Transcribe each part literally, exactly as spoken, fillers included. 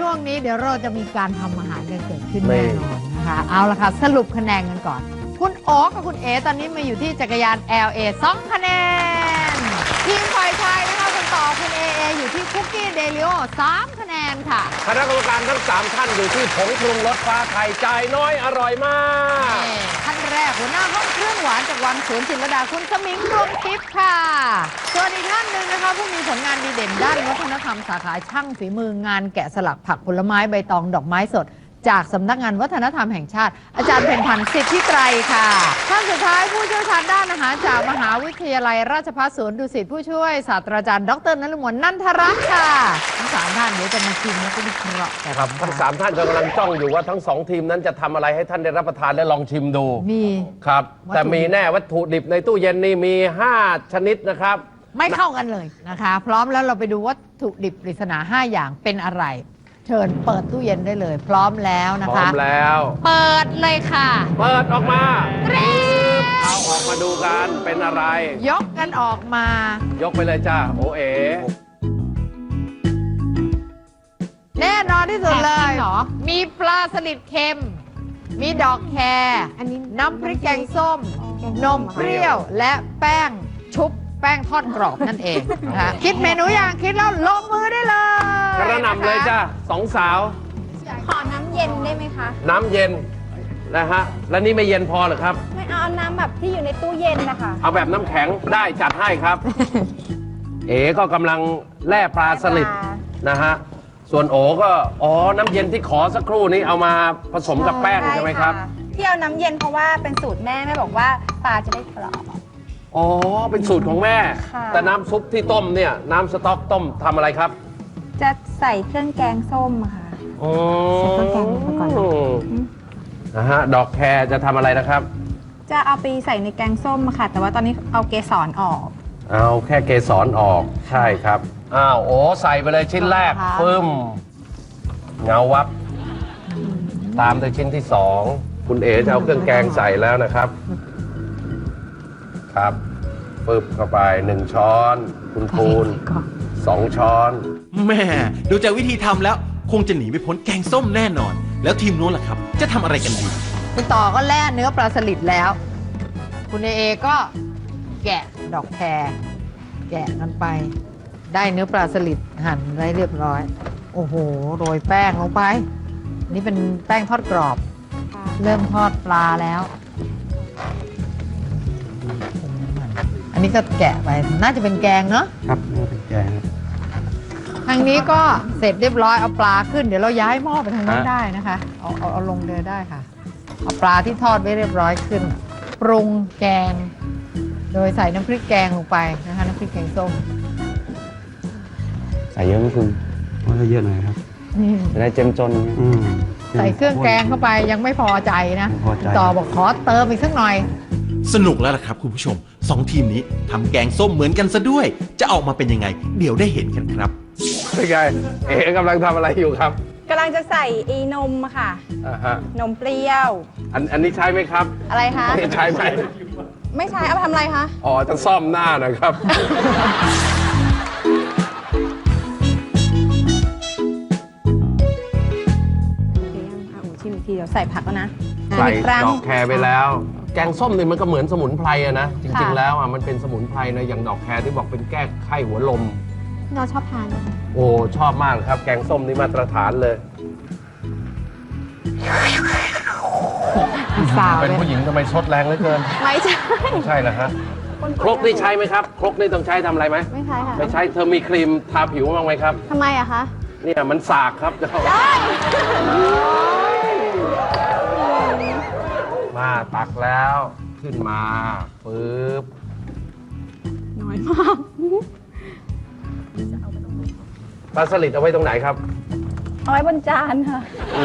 ช่วงนี้เดี๋ยวเราจะมีการทำอาหารกันเกิดขึ้นแน่นอนนะคะเอาละค่ะสรุปคะแนนกันก่อนคุณโอ๊คกับคุณเอตอนนี้มาอยู่ที่จักรยาน แอล เอ สองคะแนนทีมฝ่ายชายนะคะคุณต่อคุณเอเออยู่ที่คุกกี้เดลิโอสามคะแนนค่ะคณะกรรมการทั้งสามท่านอยู่ที่ผงปรุงรสฟ้าไทยจ่ายน้อยอร่อยมากท่านแรกหัวหน้าห้องเครื่องหวานจากวังสวนจิตรลดาคุณสมิงดวงทิพย์ค่ะส่วนอีกท่านหนึ่งนะคะผู้มีผลงานดีเด่นด้านวัฒนธรรมสาขาช่างฝีมืองานแกะสลักผักผลไม้ใบตองดอกไม้สดจากสำนักงานวัฒนธรรมแห่งชาติอาจารย์เพ็ญพันธ์สิทธิไตรค่ะท่านสุดท้ายผู้เชี่ยวชาญด้านอาหารจากมหาวิทยาลัยราชภัฏสวนดุสิตผู้ช่วยศาสตราจารย์ดรนฤมลนันทรัตน์ค่ะทั้งสามท่านเดี๋ยวจะมาชิมแล้วก็วิเคราะห์ครับทั้งสามท่านกำลังจ้องอยู่ว่าทั้งสองทีมนั้นจะทำอะไรให้ท่านได้รับประทานและลองชิมดูมีครับแต่มีแน่วัตถุดิบในตู้เย็นนี่มีห้าชนิดนะครับไม่เข้ากันเลยนะคะพร้อมแล้วเราไปดูวัตถุดิบปริศนาห้าอย่างเป็นอะไรเชิญเปิดตู้เย็นได้เลยพร้อมแล้วนะคะพร้อมแล้วเปิดเลยค่ะเปิดออกมาเอาออกมาดูกันเป็นอะไรยกกันออกมายกไปเลยจ้าโอเอ๋แน่นอนที่สุดเลยมีปลาสลิดเค็มมีดอกแครน้ำพริกแกงส้มนมเปรี้ยวและแป้งชุบแป้งทอดกรอบนั่นเองนะคะคิดเมนูอย่างคิดแล้วลงมือได้เลยกระหน่ำเลยจ้าสองสาวขอน้ำเย็นได้ไหมคะน้ำเย็นนะฮะแล้วนี่ไม่เย็นพอหรือครับไม่เอาน้ำแบบที่อยู่ในตู้เย็นนะคะเอาแบบน้ำแข็งได้จัดให้ครับ เอ๋ก็กำลังแล่ปลาสลิดนะฮะส่วนโอ๋ก็อ๋อน้ำเย็นที่ขอสักครู่นี้เอามาผสมกับแป้งใช่ไหมครับที่เอาน้ำเย็นเพราะว่าเป็นสูตรแม่แม่บอกว่าปลาจะได้กรอบอ๋อเป็นสูตรของแม่แต่น้ำซุปที่ต้มเนี่ยน้ำสต๊อกต้มทำอะไรครับจะใส่เครื่องแกงส้มค่ะอ๋อใส่เครื่องแกงไปก่อนนะฮะดอกแครจะทำอะไรนะครับจะเอาไปใส่ในแกงส้มค่ะแต่ว่าตอนนี้เอาเกสรออกเอาแค่เกสรออกใช่ครับอ้าวโอ้ใส่ไปเลยชิ้นแรกปึ้มเงาวับตามด้วยชิ้นที่สองคุณเอ๋จะเอาเครื่องแกงใส่แล้วนะครับครับปึ๊บเข้าไปหนึ่งช้อนคุณปูนสองช้อนแม่ดูจากวิธีทำแล้วคงจะหนีไม่พ้นแกงส้มแน่นอนแล้วทีมโน้นล่ะครับจะทำอะไรกันดีคุณต่อก็แล่เนื้อปลาสลิดแล้วคุณเอเอก็แกะดอกแครแกะกันไปได้เนื้อปลาสลิดหั่นได้เรียบร้อยโอ้โหโรยแป้งลงไปนี่เป็นแป้งทอดกรอบเริ่มทอดปลาแล้วอันนี้ก็แกะไปน่าจะเป็นแกงเนาะครับน่าเป็นแกงทางนี้ก็เสร็จเรียบร้อยเอาปลาขึ้นเดี๋ยวเราย้ายหม้อไปทางนู้นได้นะคะเอาเอาเอาลงเดือได้ค่ะเอาปลาที่ทอดไว้เรียบร้อยขึ้นปรุงแกงโดยใส่น้ำพริกแกงลงไปนะคะน้ำพริกแกงส้มใส่เยอะไหมคุณว่าเยอะหน่อยครับจะได้เจ้มจนใส่เครื่องแกงเข้าไปยังไม่พอใจนะต่อบอกขอเติมอีกสักหน่อยสนุกแล้วล่ะครับคุณผู้ชมสองทีมนี้ทำแกงส้มเหมือนกันซะด้วยจะออกมาเป็นยังไงเดี๋ยวได้เห็นกันครับเป็นไงเอ๋กำลังทำอะไรอยู่ครับกำลังจะใส่อีนมค่ะอ่าฮะนมเปรี้ยวอันอันนี้ใช้ไหมครับอะไรคะใช้ไหมไม่ใช้เอาไปทำอะไรคะอ๋อจะซ่อมหน้านะครับชิมอีกทีเดี๋ยวใส่ผักแล้วนะใส่ดอกแครไปแล้วแกงส้มนี่มันก็เหมือนสมุนไพรอะนะจริงๆแล้วอ่ะมันเป็นสมุนไพรนะอย่างดอกแครที่บอกเป็นแก้ไข้หัวลมเราชอบทานโอ้ชอบมากเลยครับแกงส้มนี่มาตรฐานเลยเป็นผู้หญิงทำไมชดแรงเหลือเกินไม่ใช่ไม่ใช่เหรอฮะครกนี่ใช้ไหมครับครกนี่ต้องใช้ทำอะไรไหมไม่ใช่ค่ะไม่ใช้เธอมีครีมทาผิวบ้างไหมครับทำไมอะคะเนี่ยมันสากครับมาตักแล้วขึ้นมาปึ๊บน้อยมากปลาสลิดเอาไว้ตรงไหนครับเอาไว้บนจานค่ะ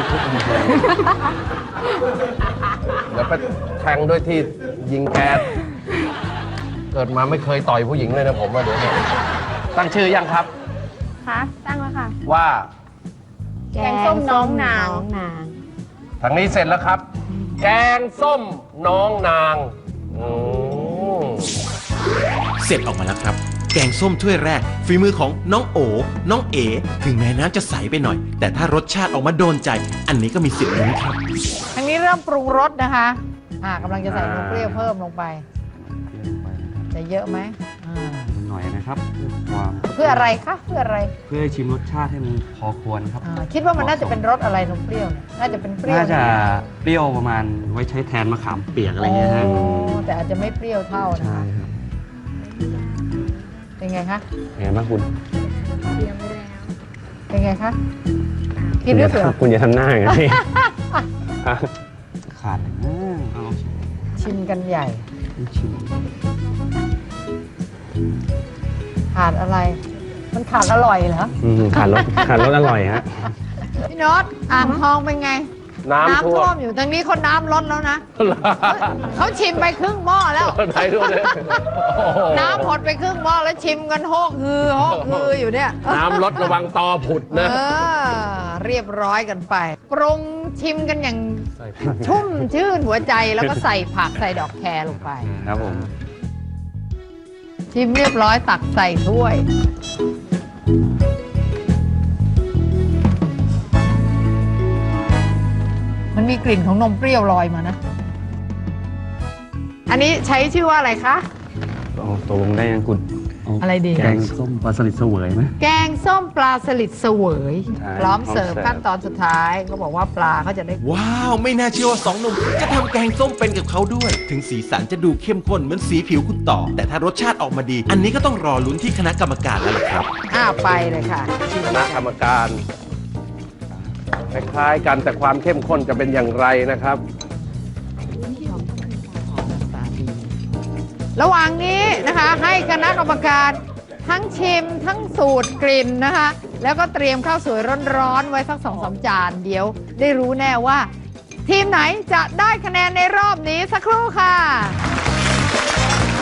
เดี๋ยวไปแทงด้วยที่ยิงแก๊สเกิดมาไม่เคยต่อยผู้หญิงเลยนะผมว่าเดี๋ยวตั้งชื่อยังครับคะตั้งแล้วค่ะว่าแกงส้มน้องนางทางนี้เสร็จแล้วครับแกงส้มน้องนางเสร็จออกมาแล้วครับแกงส้มถ้วยแรกฝีมือของน้องโอน้องเอถึงแม้น้ำจะใสไปหน่อย แต่ถ้ารสชาติออกมาโดนใจ อันนี้ก็มีสิทธิ์ลุ้นครับทางนี้เริ่มปรุงรสนะคะอ่ากำลังจะใส่นมเปรี้ยวเพิ่มลงไป จะเยอะไหมอ่าหน่อยนะครับเพื่อความเพื่ออะไรคะเพื่ออะไรเพื่อให้ชิมรสชาติให้มันพอควรครับอ่าคิดว่ามันน่าจะเป็นรสอะไรนมเปรี้ยวเนี่ยน่าจะเป็นเปรี้ยวน่าจะเปรี้ยวประมาณไว้ใช้แทนมะขามเปียกอะไรเงี้ยฮะโอ้แต่อาจจะไม่เปรี้ยวเท่านะใช่คะครับเป็นไงคะเป็นไงบ้างคุณเป็นไงคะกินด้วยเปล่าคุณอย่าทำหน้าอย่างนี้ ขาดอะไรนะเอาชิมกันใหญ่ชิมขาดอะไร มันขาดอร่อยเหรออืมขาดรสขาดรสอร่อยฮะพี่โน็อตอ่างทองเป็นไงน้ำท่วท่วมมอยู่ทางนี้เขาน้ำลดแล้วนะเขาชิมไปครึ่งหม้อแล้วไหนดูเลยโอ้โหน้ำหมดไปครึ่งหม้อแล้วชิมกันโฮกฮือโฮกฮืออยู่เนี่ยน้ำลดระวังตอผุดเอนะอ เรียบร้อยกันไป ปรุงชิมกันอย่างชุ่มชื่นหัวใจแล้วก็ใส่ผักใส่ดอกแครลงไปครับผมชิมเรียบร้อยตักใส่ถ้วย มันมีกลิ่นของนมเปรี้ยวลอยมานะ อันนี้ใช้ชื่อว่าอะไรคะโอ้ตกลงได้ยังคุณเาอะไรดีแกงส้มปลาสลิดเสวยไหมแกงส้มปลาสลิดเสวยใช่พร้อมเสิร์ฟพร้อมเสิร์ฟขั้นตอนสุดท้ายเขาบอกว่าปลาเขาจะได้ว้าว ไม่น่าเชื่อว่าสองหนุ่มจะทำแกงส้มเป็นกับเขาด้วย ถึงสีสันจะดูเข้มข้นเหมือนสีผิวคุณต่อ แต่ถ้ารสชาติออกมาดี อันนี้ก็ต้องรอลุ้นที่คณะกรรมการแล้วล่ะครับอ้าวไปเลยค่ะคณะกรรมการคล้ายๆกันแต่ความเข้มข้นจะเป็นอย่างไรนะครับระหว่างนี้นะคะให้คณะกรรมการทั้งชิมทั้งสูตรกลิ่นนะคะ แล้วก็เตรียมข้าวสวยร้อนๆไว้สักสองสามจานเดี๋ยวได้รู้แน่ว่า ทีมไหนจะได้คะแนนในรอบนี้สักครู่ค่ะ